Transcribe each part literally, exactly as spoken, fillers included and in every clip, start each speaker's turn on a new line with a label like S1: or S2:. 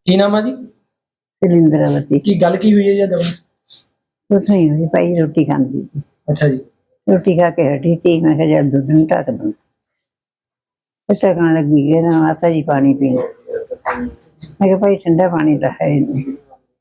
S1: ਕੀ ਨਾਮ ਆ ਜੀ?
S2: सिलिंद्रावती।
S1: ਕੀ ਗੱਲ ਕੀ ਹੋਈ है जी?
S2: कुछ नहीं हुई भाई, रोटी खाती थी।
S1: अच्छा जी।
S2: रोटी खा के हटी थी, मैं कहा जब दूध नहीं ढक दूँ। ढकन लगी है ना, माता जी पानी पीने। मैं कहा भाई ठंडा पानी तो है ही नहीं,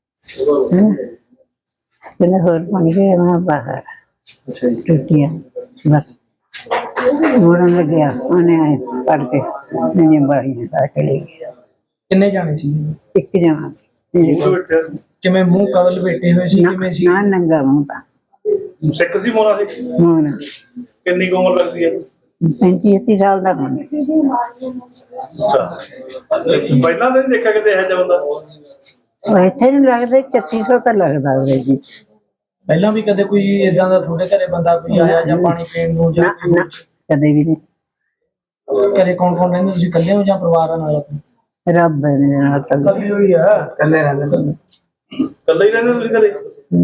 S2: कहने होर पानी के मैं बाहर
S1: अच्छा जी।
S2: रोटियां बस मोड़न लग गया। उन्हें आए पढ़ के मैंने बाड़ी में खा के ले गया।
S1: किन्ने जाने सी?
S2: एक जना
S1: किवें मुंह कवल बैठे हुए सी? किवें सी?
S2: ना नंगा मुंह था।
S3: सिख सी मोना सी?
S2: मोना
S3: कितनी की उम्र लगती है?
S2: पैंती छत्ती साल का होना।
S3: अच्छा, पहला नहीं देखा कि है जब बंदा
S2: इतने नहीं लगता, छत्तीस सौ का लगता है जी।
S1: ਪਹਿਲਾਂ ਵੀ ਕਦੇ ਕੋਈ ਇਦਾਂ ਦਾ ਤੁਹਾਡੇ ਘਰੇ ਬੰਦਾ ਕੋਈ ਆਇਆ ਜਾਂ ਪਾਣੀ ਪੀਣ ਨੂੰ ਜਾਂ
S2: ना कदे भी नहीं।
S1: ਘਰੇ ਕੌਣ ਕੌਣ ਰਹਿੰਦੇ? ਤੁਸੀਂ ਇਕੱਲੇ ਹੋ ਜਾਂ ਪਰਿਵਾਰ ਨਾਲ?
S2: रब है मेरे नाल कल
S1: ਕੱਲੀ ਹੋਈ ਆ, ਇਕੱਲੇ ਰਹਿੰਦੇ।
S3: कल ही रहने तुम घरे?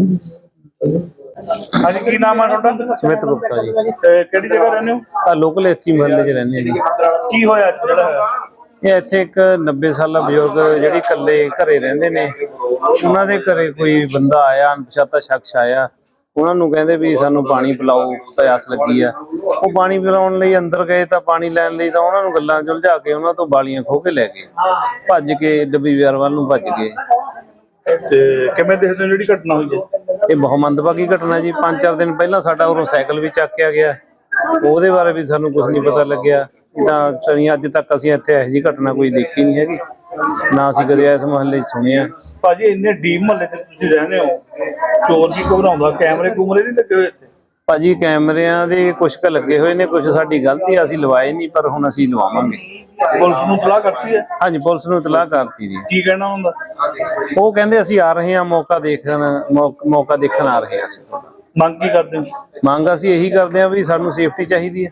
S3: हाँ जी, की नाम है ਤੁਹਾਡਾ?
S4: ਸੁਮਿਤ ਗੁਪਤਾ ਜੀ।
S3: ਤੇ ਕਿਹੜੀ ਜਗ੍ਹਾ ਰਹਿੰਦੇ ਹੋ?
S4: ਆ ਲੋਕਲ ਇੱਥੇ ਮਹੱਲੇ 'ਚ ਰਹਿੰਦੇ ਆ ਜੀ।
S3: ਕੀ ਹੋਇਆ ਅੱਜ ਜਿਹੜਾ ਹੋਇਆ?
S4: ਇਹ ਇੱਥੇ ਇੱਕ ਨੱਬੇ ਸਾਲਾ ਬਜ਼ੁਰਗ ਜਿਹੜੀ ਇਕੱਲੇ ਘਰੇ ਰਹਿੰਦੇ ਨੇ, ਉਹਨਾਂ ਦੇ ਘਰੇ ਕੋਈ ਬੰਦਾ ਆਇਆ, ਅਣਪਛਾਤਾ ਸ਼ਖਸ ਆਇਆ। ਉਹਨਾਂ ਨੂੰ ਕਹਿੰਦੇ ਵੀ ਸਾਨੂੰ ਪਾਣੀ ਪਿਲਾਓ, ਪਿਆਸ ਲੱਗੀ ਆ। ਉਹ ਪਾਣੀ ਪਿਲਾਉਣ ਲਈ ਅੰਦਰ ਗਏ ਤਾਂ ਪਾਣੀ ਲੈਣ ਲਈ ਤਾਂ ਉਹਨਾਂ ਨੂੰ ਗੱਲਾਂ 'ਚ ਉਲਝਾ ਕੇ ਉਹਨਾਂ ਤੋਂ ਬਾਲੀਆਂ ਖੋਹ ਕੇ ਲੈ ਗਏ, ਭੱਜ ਕੇ ਡੱਬੀ ਵਿਆਰ ਵੱਲ ਨੂੰ ਭੱਜ ਗਏ।
S3: ਤੇ ਕਿਵੇਂ ਦੇਖਦੇ ਹੋ ਜਿਹੜੀ ਘਟਨਾ ਹੋਈ ਹੈ?
S4: ਇਹ ਬਹੁਤ ਮੰਦਭਾਗੀ ਘਟਨਾ ਜੀ। ਪੰਜ ਚਾਰ ਦਿਨ ਪਹਿਲਾਂ ਸਾਡਾ ਉਰੋਂ ਸਾਈਕਲ ਵੀ ਚੱਕਿਆ ਗਿਆ, ਉਹਦੇ ਬਾਰੇ ਵੀ ਸਾਨੂੰ ਕੁਝ ਨਹੀਂ ਪਤਾ ਲੱਗਿਆ। ਤਾਂ ਅਸੀਂ ਅੱਜ ਤੱਕ ਅਸੀਂ ਇੱਥੇ ਇਹੋ ਜਿਹੀ ਘਟਨਾ ਕੋਈ ਦੇਖੀ ਨਹੀਂ ਹੈਗੀ, ਨਾ ਅਸੀਂ ਕਦੇ ਇਸ ਮੁਹੱਲੇ 'ਚ ਸੁਣਿਆ।
S3: ਭਾਜੀ ਇੰਨੇ ਡੀਪ ਮਹੱਲੇ 'ਚ ਤੁਸੀਂ ਰਹਿੰਦੇ ਹੋ, ਚੋਰ ਵੀ ਘਬਰਾਉਂਦਾ, ਕੈਮਰੇ ਕੂਮਰੇ ਨਹੀਂ ਲੱਗੇ ਹੋਏ ਇੱਥੇ?
S4: ਭਾਜੀ ਕੈਮਰਿਆਂ ਦੇ ਕੁਛ ਕੁ ਲੱਗੇ ਹੋਏ ਨੇ, ਕੁਛ ਸਾਡੀ ਗਲਤੀ ਆ, ਅਸੀਂ ਲਵਾਏ ਨਹੀਂ, ਪਰ ਹੁਣ ਅਸੀਂ ਲਵਾਵਾਂਗੇ।
S3: ਪੁਲਿਸ ਨੂੰ ਇਤਲਾਹ ਕਰਤੀ ਹੈ?
S4: ਹਾਂਜੀ, ਪੁਲਿਸ ਨੂੰ ਇਤਲਾਹ ਕਰਤੀ ਜੀ।
S3: ਕੀ ਕਹਿਣਾ ਹੁੰਦਾ?
S4: ਉਹ ਕਹਿੰਦੇ ਅਸੀਂ ਆ ਰਹੇ ਹਾਂ, ਮੌਕਾ ਦੇਖਣ ਮੌ- ਮੌਕਾ ਦੇਖਣ ਆ ਰਹੇ ਹਾਂ। ਅਸੀਂ
S3: ਮੰਗ ਕੀ ਕਰਦੇ ਹੋ?
S4: ਮੰਗ ਅਸੀਂ ਇਹੀ ਕਰਦੇ ਹਾਂ ਵੀ ਸਾਨੂੰ ਸੇਫਟੀ ਚਾਹੀਦੀ ਹੈ।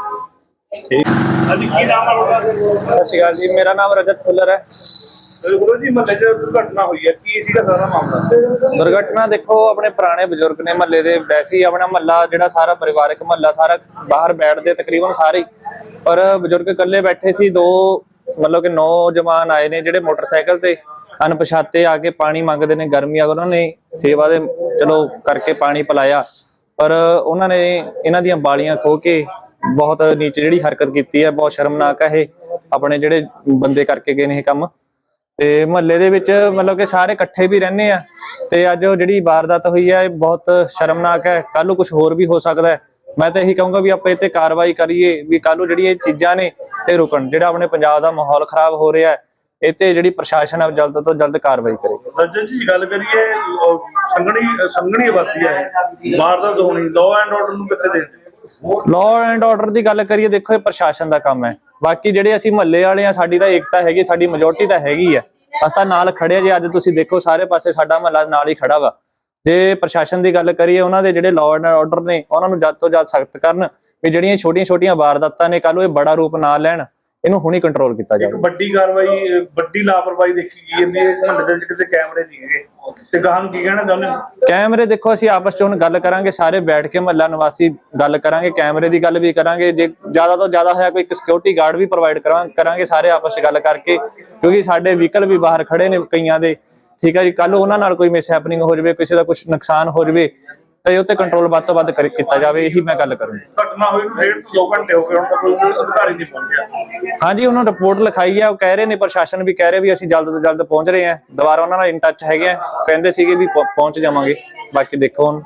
S3: ਹਾਂਜੀ, ਕੀ ਨਾਮ ਹੈ ਤੁਹਾਡਾ?
S5: ਸਤਿ ਸ਼੍ਰੀ ਅਕਾਲ ਜੀ, ਮੇਰਾ ਨਾਮ ਰਜਤ ਫੁੱਲਰ ਹੈ।
S3: ਗੁਰੂ ਜੀ, ਮਹੱਲੇ 'ਚ ਦੁਰਘਟਨਾ ਹੋਈ ਹੈ, ਕੀ ਸੀਗਾ ਸਾਰਾ ਮਾਮਲਾ?
S5: ਦੁਰਘਟਨਾ ਦੇਖੋ, ਆਪਣੇ ਪੁਰਾਣੇ ਬਜ਼ੁਰਗ ਨੇ ਮਹੱਲੇ ਦੇ, ਵੈਸੇ ਹੀ ਆਪਣਾ ਮਹੱਲਾ ਜਿਹੜਾ ਸਾਰਾ ਪਰਿਵਾਰਕ ਮਹੱਲਾ ਸਾਰਾ ਬਾਹਰ ਬੈਠਦੇ ਤਕਰੀਬਨ ਸਾਰੇ ਹੀ, ਪਰ ਬਜ਼ੁਰਗ ਇਕੱਲੇ ਬੈਠੇ ਸੀ। ਦੋ ਮਤਲਬ ਕਿ ਨੌਜਵਾਨ ਆਏ ਨੇ ਜਿਹੜੇ ਮੋਟਰਸਾਈਕਲ ਤੇ ਅਣਪਛਾਤੇ ਆ ਕੇ ਪਾਣੀ ਮੰਗਦੇ ਨੇ, ਗਰਮੀ ਆ, ਉਹਨਾਂ ਨੇ ਸੇਵਾ ਦੇ ਚਲੋ ਕਰਕੇ ਪਾਣੀ ਪਿਲਾਇਆ, ਪਰ ਉਹਨਾਂ ਨੇ ਇਹਨਾਂ ਦੀਆਂ ਬਾਲੀਆਂ ਖੋਹ ਕੇ ਬਹੁਤ ਨੀਚ ਜਿਹੜੀ ਹਰਕਤ ਕੀਤੀ ਹੈ, ਬਹੁਤ ਸ਼ਰਮਨਾਕ ਹੈ ਇਹ ਆਪਣੇ ਜਿਹੜੇ ਬੰਦੇ ਕਰਕੇ ਗਏ ਨੇ ਇਹ ਕੰਮ। ਤੇ ਮੁਹੱਲੇ ਦੇ ਵਿੱਚ ਮਤਲਬ ਕਿ ਸਾਰੇ ਇਕੱਠੇ ਵੀ ਰਹਿੰਦੇ ਆ, ਤੇ ਅੱਜ ਉਹ ਜਿਹੜੀ ਵਾਰਦਾਤ ਹੋਈ ਹੈ ਇਹ ਬਹੁਤ ਸ਼ਰਮਨਾਕ ਹੈ। ਕੱਲ ਨੂੰ ਕੁਝ ਹੋਰ ਵੀ ਹੋ ਸਕਦਾ ਹੈ। ਮੈਂ ਤਾਂ ਇਹੀ ਕਹੂੰਗਾ ਵੀ ਆਪਾਂ ਇਹ ਤੇ ਕਾਰਵਾਈ ਕਰੀਏ, ਵੀ ਕੱਲ ਨੂੰ ਜਿਹੜੀ ਇਹ ਚੀਜ਼ਾਂ ਨੇ ਇਹ ਰੁਕਣ। ਜਿਹੜਾ ਆਪਣੇ ਪੰਜਾਬ ਦਾ ਮਾਹੌਲ ਖਰਾਬ ਹੋ ਰਿਹਾ ਹੈ, ਇਹ ਤੇ ਜਿਹੜੀ ਪ੍ਰਸ਼ਾਸਨ ਹੈ ਜਲਦ ਤੋਂ ਜਲਦ ਕਾਰਵਾਈ ਕਰੇ।
S3: ਰਜਨ ਜੀ, ਗੱਲ ਕਰੀਏ ਸੰਘਣੀ ਸੰਘਣੀ ਆਬਾਦੀ ਹੈ, ਵਾਰਦਾਤ ਹੋਣੀ, ਲਾਅ ਐਂਡ ਆਰਡਰ ਨੂੰ ਕਿੱਥੇ ਦੇਖਦੇ?
S5: ਲਾਅ ਐਂਡ ਆਰਡਰ ਦੀ ਗੱਲ ਕਰੀਏ, ਦੇਖੋ ਇਹ ਪ੍ਰਸ਼ਾਸਨ ਦਾ ਕੰਮ ਹੈ। ਬਾਕੀ ਜਿਹੜੇ ਅਸੀਂ ਮਹੱਲੇ ਵਾਲੇ ਆ, ਸਾਡੀ ਤਾਂ ਏਕਤਾ ਹੈਗੀ, ਸਾਡੀ ਮੈਜੋਰਟੀ ਤਾਂ ਹੈਗੀ ਆ, ਅਸੀਂ ਤਾਂ ਨਾਲ ਖੜੇ ਆ ਜੀ। ਅੱਜ ਤੁਸੀਂ ਦੇਖੋ ਸਾਰੇ ਪਾਸੇ ਸਾਡਾ ਮਹੱਲਾ ਨਾਲ ਹੀ ਖੜਾ ਵਾ। ਜੇ ਪ੍ਰਸ਼ਾਸਨ ਦੀ ਗੱਲ ਕਰੀਏ, ਉਹਨਾਂ ਦੇ ਜਿਹੜੇ ਲਾਅ ਐਂਡ ਆਰਡਰ ਨੇ ਉਹਨਾਂ ਨੂੰ ਜਦ ਤੋਂ ਜਦ ਸਖਤ ਕਰਨ, ਵੀ ਜਿਹੜੀਆਂ ਛੋਟੀਆਂ ਛੋਟੀਆਂ ਵਾਰਦਾਤਾਂ ਨੇ ਕੱਲ ਨੂੰ ਇਹ ਬੜਾ ਰੂਪ ਨਾ ਲੈਣ, ਇਹਨੂੰ ਹੁਣੀ ਕੰਟਰੋਲ ਕੀਤਾ ਜਾਵੇ।
S3: ਇੱਕ ਵੱਡੀ ਕਾਰਵਾਈ, ਵੱਡੀ ਲਾਪਰਵਾਹੀ ਦੇਖੀ ਗਈ ਇਹਨੇ ਮਹੱਲੇ ਦੇ ਵਿੱਚ, ਕਿਤੇ ਕੈਮਰੇ ਨਹੀਂ ਹੈਗੇ, ਤੇ ਗਾਹਾਂ ਨੂੰ ਕੀ ਕਹਿਣਾ ਚਾਹੁੰਦੇ ਹੋ?
S5: ਕੈਮਰੇ ਦੇਖੋ, ਅਸੀਂ ਆਪਸ ਚ ਹੁਣ ਗੱਲ ਕਰਾਂਗੇ, ਸਾਰੇ ਬੈਠ ਕੇ ਮਹੱਲਾ ਨਿਵਾਸੀ ਗੱਲ ਕਰਾਂਗੇ, ਕੈਮਰੇ ਦੀ ਗੱਲ ਵੀ ਕਰਾਂਗੇ। ਜੇ ਜ਼ਿਆਦਾ ਤੋਂ ਜ਼ਿਆਦਾ ਹੋਇਆ ਕੋਈ ਇੱਕ ਸਿਕਿਉਰਿਟੀ ਗਾਰਡ ਵੀ ਪ੍ਰੋਵਾਈਡ ਕਰਾਂਗੇ ਸਾਰੇ ਆਪਸ ਚ ਗੱਲ ਕਰਕੇ, ਕਿਉਂਕਿ ਸਾਡੇ ਵਹੀਕਲ ਵੀ ਬਾਹਰ ਖੜੇ ਨੇ ਕਈਆਂ ਦੇ, ਠੀਕ ਹੈ ਜੀ। ਕੱਲ ਉਹਨਾਂ ਨਾਲ ਕੋਈ ਮਿਸ ਹੈਪਨਿੰਗ ਹੋ ਜਾਵੇ, ਕਿਸੇ ਦਾ ਕੁਝ ਨੁਕਸਾਨ ਹੋ ਜਾਵੇ, ਤੇ ਉੱਤੇ ਕੰਟਰੋਲ ਵੱਧ ਤੋਂ ਵੱਧ ਕੀਤਾ ਜਾਵੇ, ਇਹੀ ਮੈਂ ਗੱਲ ਕਰੂੰਗਾ।
S3: ਘਟਨਾ ਹੋਈ ਨੂੰ ਡੇਢ ਤੋਂ ਦੋ ਘੰਟੇ ਹੋ ਗਏ, ਹੁਣ ਤੱਕ ਕੋਈ ਅਧਿਕਾਰੀ ਨਹੀਂ ਪਹੁੰਚਿਆ।
S5: ਹਾਂਜੀ, ਉਹਨਾਂ ਨੇ ਰਿਪੋਰਟ ਲਿਖਾਈ ਹੈ, ਉਹ ਕਹਿ ਰਹੇ ਨੇ, ਪ੍ਰਸ਼ਾਸਨ ਵੀ ਕਹਿ ਰਿਹਾ ਵੀ ਅਸੀਂ ਜਲਦ ਤੋਂ ਜਲਦ ਪਹੁੰਚ ਰਹੇ ਹਾਂ। ਦੁਬਾਰਾ ਉਹਨਾਂ ਨਾਲ ਇਨ ਟੱਚ ਹੈਗੇ ਆ, ਕਹਿੰਦੇ ਸੀਗੇ ਵੀ ਪਹੁੰਚ ਜਾਵਾਂਗੇ। ਬਾਕੀ ਦੇਖੋ ਹੁਣ।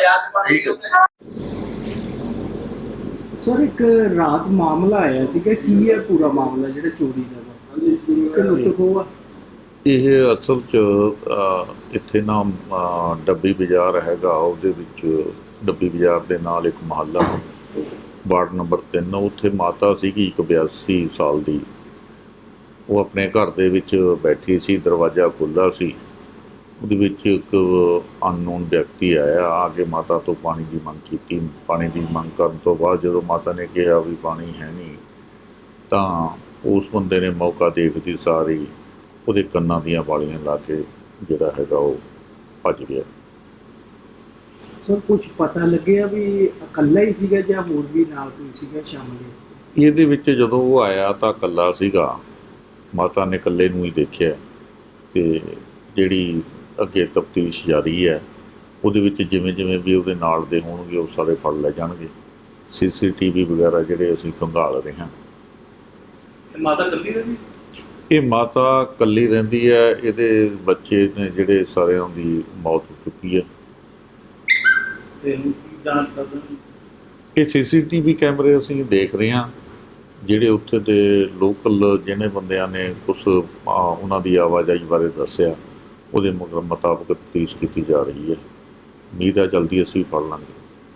S6: ਸਰ, ਇੱਕ ਰਾਤ ਮਾਮਲਾ ਆਇਆ ਸੀਗਾ, ਕੀ ਹੈ ਪੂਰਾ ਮਾਮਲਾ ਜਿਹੜਾ ਚੋਰੀ ਦਾ? ਕਿ ਲੁੱਟ ਖੋਹ ਆ?
S7: ਇਹ ਅਸਲ 'ਚ ਇੱਥੇ ਨਾ ਡੱਬੀ ਬਾਜ਼ਾਰ ਹੈਗਾ, ਉਹਦੇ ਵਿੱਚ ਡੱਬੀ ਬਾਜ਼ਾਰ ਦੇ ਨਾਲ ਇੱਕ ਮੁਹੱਲਾ ਵਾਰਡ ਨੰਬਰ ਤਿੰਨ, ਉੱਥੇ ਮਾਤਾ ਸੀਗੀ ਇੱਕ ਬਿਆਸੀ ਸਾਲ ਦੀ। ਉਹ ਆਪਣੇ ਘਰ ਦੇ ਵਿੱਚ ਬੈਠੀ ਸੀ, ਦਰਵਾਜ਼ਾ ਖੁੱਲ੍ਹਾ ਸੀ, ਉਹਦੇ ਵਿੱਚ ਇੱਕ ਅਨਨੋਨ ਵਿਅਕਤੀ ਆਇਆ, ਆ ਕੇ ਮਾਤਾ ਤੋਂ ਪਾਣੀ ਦੀ ਮੰਗ ਕੀਤੀ। ਪਾਣੀ ਦੀ ਮੰਗ ਕਰਨ ਤੋਂ ਬਾਅਦ ਜਦੋਂ ਮਾਤਾ ਨੇ ਕਿਹਾ ਵੀ ਪਾਣੀ ਹੈ ਨਹੀਂ, ਤਾਂ ਉਸ ਬੰਦੇ ਨੇ ਮੌਕਾ ਦੇਖਦੀ ਸਾਰੀ ਉਹਦੇ ਕੰਨਾਂ ਦੀਆਂ ਵਾਲੀਆਂ ਲਾ ਕੇ ਜਿਹੜਾ ਹੈਗਾ ਉਹ ਭੱਜ ਗਿਆ।
S6: ਸਰ, ਕੁਝ ਪਤਾ ਲੱਗਿਆ ਵੀ ਇਕੱਲਾ ਹੀ ਸੀਗਾ ਜਾਂ ਹੋਰ ਵੀ ਨਾਲ ਕੋਈ ਸੀਗਾ ਸ਼ਾਮਲ?
S7: ਇਹਦੇ ਵਿੱਚ ਜਦੋਂ ਉਹ ਆਇਆ ਤਾਂ ਇਕੱਲਾ ਸੀਗਾ, ਮਾਤਾ ਨੇ ਇਕੱਲੇ ਨੂੰ ਹੀ ਦੇਖਿਆ। ਤੇ ਜਿਹੜੀ ਅੱਗੇ ਤਫਤੀਸ਼ ਜਾਰੀ ਹੈ, ਉਹਦੇ ਵਿੱਚ ਜਿਵੇਂ ਜਿਵੇਂ ਵੀ ਉਹਦੇ ਨਾਲ ਦੇ ਹੋਣਗੇ ਉਹ ਸਾਰੇ ਫੜ ਲੈ ਜਾਣਗੇ। ਸੀ ਸੀ ਟੀ ਵੀ ਵਗੈਰਾ ਜਿਹੜੇ ਅਸੀਂ ਖੰਗਾਲ ਰਹੇ ਹਾਂ।
S3: ਮਾਤਾ ਇਕੱਲੀ ਰਹਿੰਦੀ?
S7: ਇਹ ਮਾਤਾ ਇਕੱਲੀ ਰਹਿੰਦੀ ਹੈ, ਇਹਦੇ ਬੱਚੇ ਨੇ ਜਿਹੜੇ ਸਾਰਿਆਂ ਦੀ ਮੌਤ ਹੋ ਚੁੱਕੀ ਹੈ।
S3: ਤੇ ਹੁਣ ਕੀ ਜਾਂਚ ਕਰਦੇ ਨੇ?
S7: ਇਹ ਸੀ ਸੀ ਟੀ ਵੀ ਕੈਮਰੇ ਅਸੀਂ ਦੇਖ ਰਹੇ ਹਾਂ, ਜਿਹੜੇ ਉੱਥੇ ਦੇ ਲੋਕਲ ਜਿਹਨੇ ਬੰਦਿਆਂ ਨੇ ਕੁਛ ਆ, ਉਹਨਾਂ ਦੀ ਆਵਾਜਾਈ ਬਾਰੇ ਦੱਸਿਆ, ਉਹਦੇ ਮੁਤਾਬਕ ਤਫਤੀਸ਼ ਕੀਤੀ ਜਾ ਰਹੀ ਹੈ। ਉਮੀਦ ਹੈ ਜਲਦੀ ਅਸੀਂ ਫੜ ਲਾਂਗੇ।